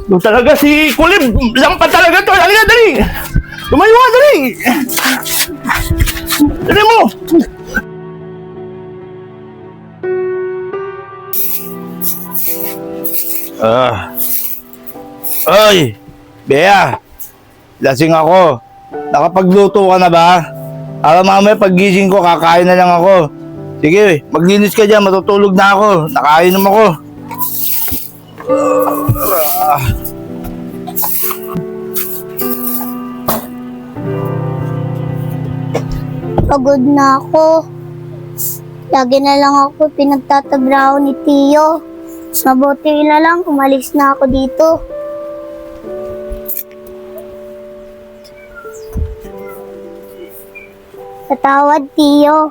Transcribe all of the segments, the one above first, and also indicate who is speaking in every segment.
Speaker 1: Doon talaga si Kulib. Lampa talaga to. Halika, dali. Tumayo ka, dali. Dali mo. Oy, Bea. Lasing ako. Nakapagluto ka na ba? Para mamaya paggising ko, kakain na lang ako. Sige, maglinis ka dyan. Matutulog na ako. Nakainom ako.
Speaker 2: Pagod na ako. Lagi na lang ako pinagtatabraho ni Tio. Mas mabuti na lang umalis na ako dito. Patawad, Tio.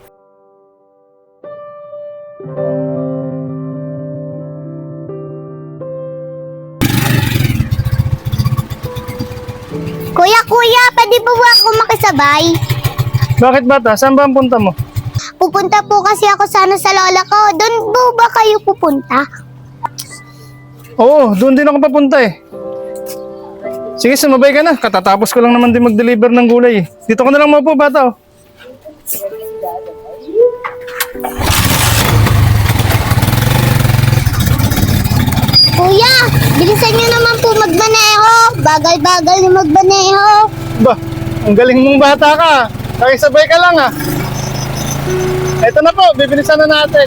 Speaker 2: Kuya, pwede po ba ako makisabay?
Speaker 3: Bakit bata? Saan ba ang punta mo?
Speaker 2: Pupunta po kasi ako sana sa lola ko. Doon po ba kayo pupunta?
Speaker 3: Oo, doon din ako papunta eh. Sige, sumabay ka na. Katatapos ko lang naman din mag-deliver ng gulay eh. Dito ko na lang maupo, bata oh.
Speaker 2: Kuya, bilisan niyo naman po magmaneho. Bagal-bagal na magmaneho.
Speaker 3: Ba, ang galing mong bata ka. Sabay ka lang ah. Ito na po, bibilisan na natin.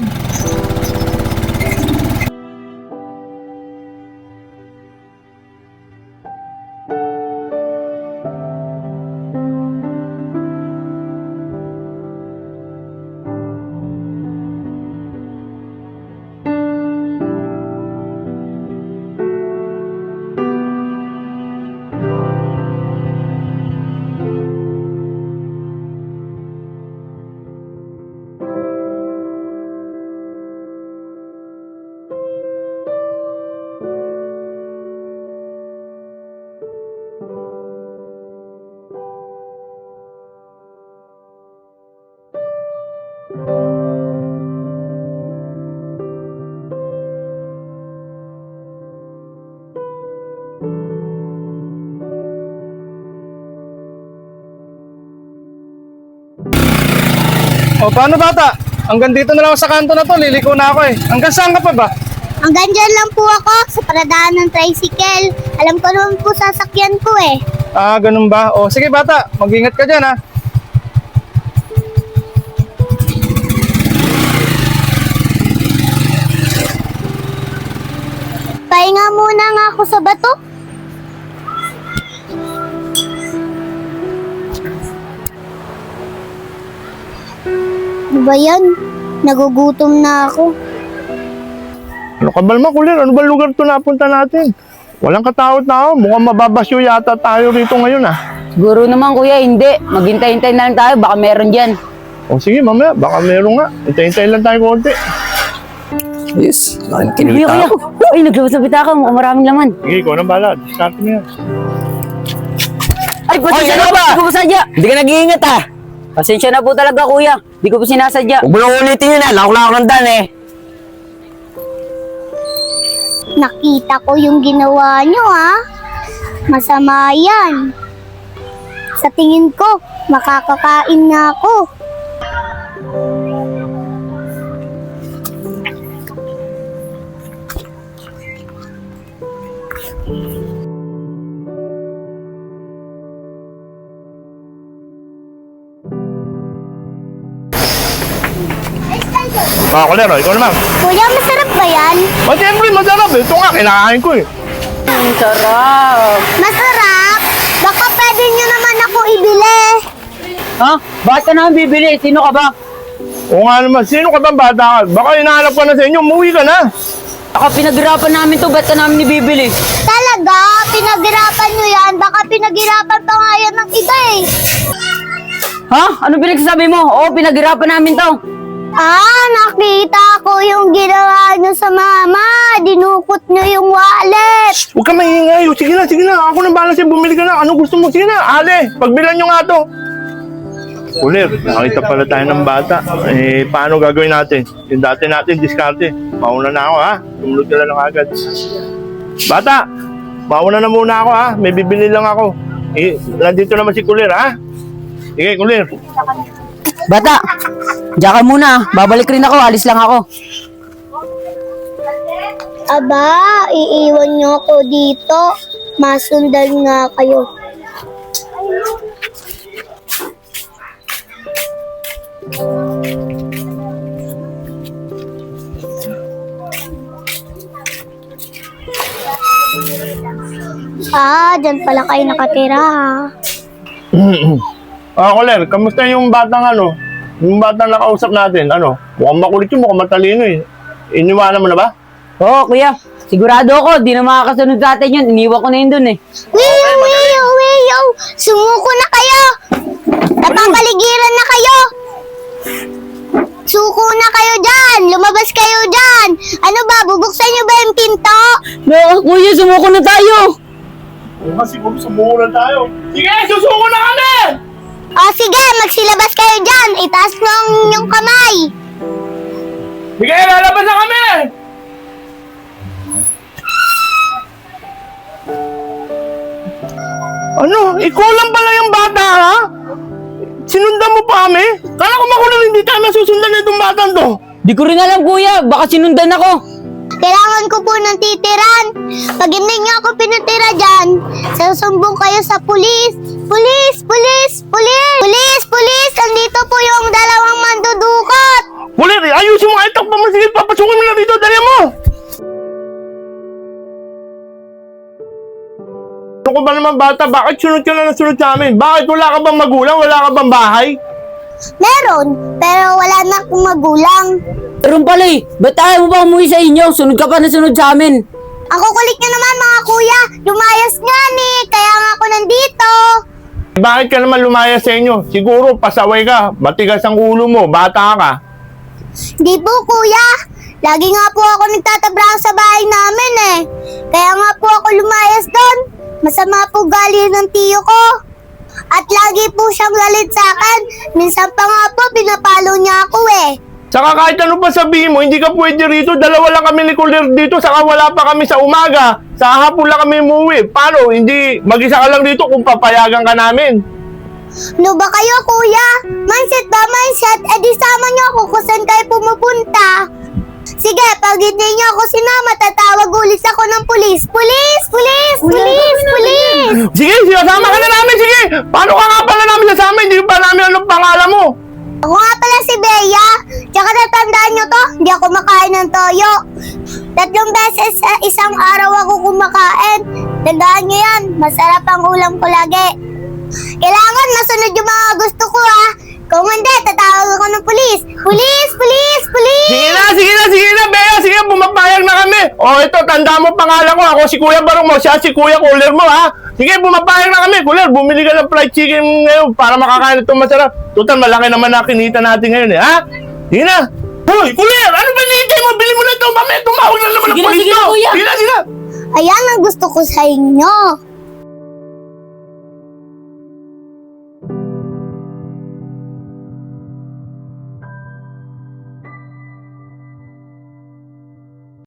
Speaker 3: O paano bata? Hanggang dito na lang ako sa kanto na to, liliko na ako eh. Hanggang saan ka pa ba?
Speaker 2: Hanggang dyan lang po ako sa paradaan ng tricycle. Alam ko naman po sasakyan ko eh.
Speaker 3: Ah, ganun ba? O sige bata, mag-ingat ka dyan ha.
Speaker 2: Pahinga muna nga ako sa bato. Ano ba yan? Nagugutom na ako.
Speaker 1: Ano ka ba naman, Kulir? Ano ba lugar to napunta natin? Walang katawat-tao. Mukhang mababasyo yata tayo rito ngayon ah.
Speaker 4: Siguro naman kuya, hindi. Maghintay-hintay na lang tayo, baka meron dyan.
Speaker 1: O sige, mamaya. Baka meron nga. Hintay-hintay lang tayo konti.
Speaker 5: Yes, laking
Speaker 4: Kuya,
Speaker 5: kinita
Speaker 4: kuya.
Speaker 5: ako.
Speaker 4: Ay, naglabas na bitaka, mukhang maraming laman.
Speaker 1: Sige, ikaw nang bala. Discard mo yan.
Speaker 4: Ay, pasensya
Speaker 5: ano
Speaker 4: na
Speaker 5: ba?
Speaker 4: Hindi ko po sadya.
Speaker 5: Hindi ka nag-iingat ah.
Speaker 4: Pasensya na po talaga kuya. Hindi ko po sinasadya.
Speaker 5: Huwag mo na ulitin yun ah. Lako na ako ng dan eh.
Speaker 2: Nakita ko yung ginawa nyo ha. Masama yan. Sa tingin ko, makakakain na ako.
Speaker 1: Mga Kulir, ikaw naman.
Speaker 2: Kuya, masarap ba yan?
Speaker 1: O siyempre, masarap eh. Ito nga, kinakain ko eh.
Speaker 4: Ang sarap.
Speaker 2: Masarap? Baka pwede nyo naman ako ibili.
Speaker 4: Ha? Bakit ka naman bibili? Sino ka ba?
Speaker 1: O nga naman, sino ka bang bata ka? Baka hinahanap ka na sa inyo, umuwi ka na.
Speaker 4: Baka pinaghirapan namin to, ba't ka namin ibibili?
Speaker 2: Talaga? Pinaghirapan nyo yan? Baka pinaghirapan pa nga yan ng iba eh.
Speaker 4: Ha? Ano pinagsasabi mo? Oo, pinaghirapan namin to.
Speaker 2: Nakita ko yung ginawa nyo sa mama. Dinukot nyo yung wallet.
Speaker 1: Huwag ka maingay. Sige na. Ako nang bahala siya, bumili ka na. Ano gusto mo? Sige na, Ale. Pagbilan nyo nga to. Kulir, nakita pala tayo ng bata. Eh, paano gagawin natin? Yung dati natin, diskarte. Mauna na ako ha. Tumulog ka lang agad. Bata, mauna na muna ako ha. May bibili lang ako. Nandito naman si Kulir ha. Sige, Kulir.
Speaker 4: Bata, diyan ka muna. Babalik rin ako, alis lang ako.
Speaker 2: Aba, iiwan niyo ako dito. Masundan nga kayo. Dyan pala kayo nakatira ha.
Speaker 1: Kulir, kamusta yung batang yung batang nakausap natin? Mukhang makulit yun, mukhang matalino eh. Iniwanan mo na ba?
Speaker 4: Oo, kuya. Sigurado ako, di na makakasunod sa atin yun. Iniwan ko na yun dun eh.
Speaker 2: Wiyo! Sumuko na kayo! Napapaligiran na kayo! Suko na kayo dyan! Lumabas kayo dyan! Ano ba, bubuksan niyo ba yung pinto?
Speaker 4: No, kuya, sumuko na tayo.
Speaker 1: Siguro sumuko na tayo. Sige, susuko na kami!
Speaker 2: O sige, magsilabas kayo dyan! Itaas mo ang inyong kamay!
Speaker 1: Sige, lalabas na kami! Ikaw lang pala yung bata, ha? Sinundan mo pa kami? Kala ko makulang hindi tayo masusundan na itong batang to.
Speaker 4: Di ko rin alam, kuya. Baka sinundan ako.
Speaker 2: Kailangan ko po ng titiran. Pag hindi niyo ako pinatira dyan, sasumbong kayo sa pulis. Pulis! Pulis! Pulis! Pulis! Pulis! Andito po yung dalawang mandudukot.
Speaker 1: Kulit, ayusin mo ito. Sige, papasukin mo na dito. Dali mo! Ano ko ba naman bata? Bakit sunod ka na sunod sa amin? Bakit wala ka bang magulang? Wala ka bang bahay?
Speaker 2: Meron, pero wala na akong magulang.
Speaker 4: Pero pala eh, ba't ayaw mo ba umuwi sa inyo? Sunod ka pa na sunod sa amin.
Speaker 2: Ako kulit nyo naman mga kuya. Lumayas nga ni, kaya nga ako nandito.
Speaker 1: Bakit ka naman lumaya sa inyo? Siguro pasaway ka. Matigas ang ulo mo. Bata ka.
Speaker 2: Di po kuya. Lagi nga po ako nagtatabraho sa bahay namin eh. Kaya nga po ako lumayas doon. Masama po gali ng tiyo ko. At lagi po siyang galit sa akin. Minsan pa nga po, pinapalo niya ako eh.
Speaker 1: Saka kahit ano pa sabihin mo, hindi ka pwede rito. Dalawa lang kami ni Kulir dito, saka wala pa kami sa umaga. Sa hapon lang kami umuwi. Paano? Hindi, mag-isa ka lang dito kung papayagan ka namin.
Speaker 2: Ano ba kayo kuya? Mindset ba mindset? Eh di sama niyo ako kung saan kayo pumupunta. Sige, pag hindi niyo ako sinama, tatawag ulit ako ng pulis. Pulis! Pulis! Pulis! Pulis!
Speaker 1: Sige, sinasama ka na namin, sige! Paano ka nga pala namin sasama? Hindi pa namin anong pangalan mo.
Speaker 2: Ako nga pala si Bea. Tsaka natandaan nyo to, hindi ako makain ng toyo. 3 beses sa isang araw ako kumakain. Tandaan nyo yan, masarap ang ulam ko lagi. Kailangan masunod yung mga gusto ko ha. Kung hindi, tatawag ako ng pulis. Pulis! Pulis! Pulis!
Speaker 1: Sige na, Bea, sige, bumapayag na kami. O ito, tanda mo pangalan ko, ako si Kuya Barong mo, siya si Kuya Kulir mo ha. Sige, bumapayag na kami, Kulir, bumili ka ng fried chicken ngayon para makakain itong masarap. Total, malaki naman na kinita natin ngayon eh, ha? Sige na. Hoy, Kulir, ano ba nihintay mo? Bili mo na ito, mamaya tumawag na naman ang
Speaker 4: Sige na,
Speaker 1: pulis
Speaker 4: sige na,
Speaker 1: to.
Speaker 4: Kuya.
Speaker 1: Sige na.
Speaker 2: Ayan ang gusto ko sa inyo.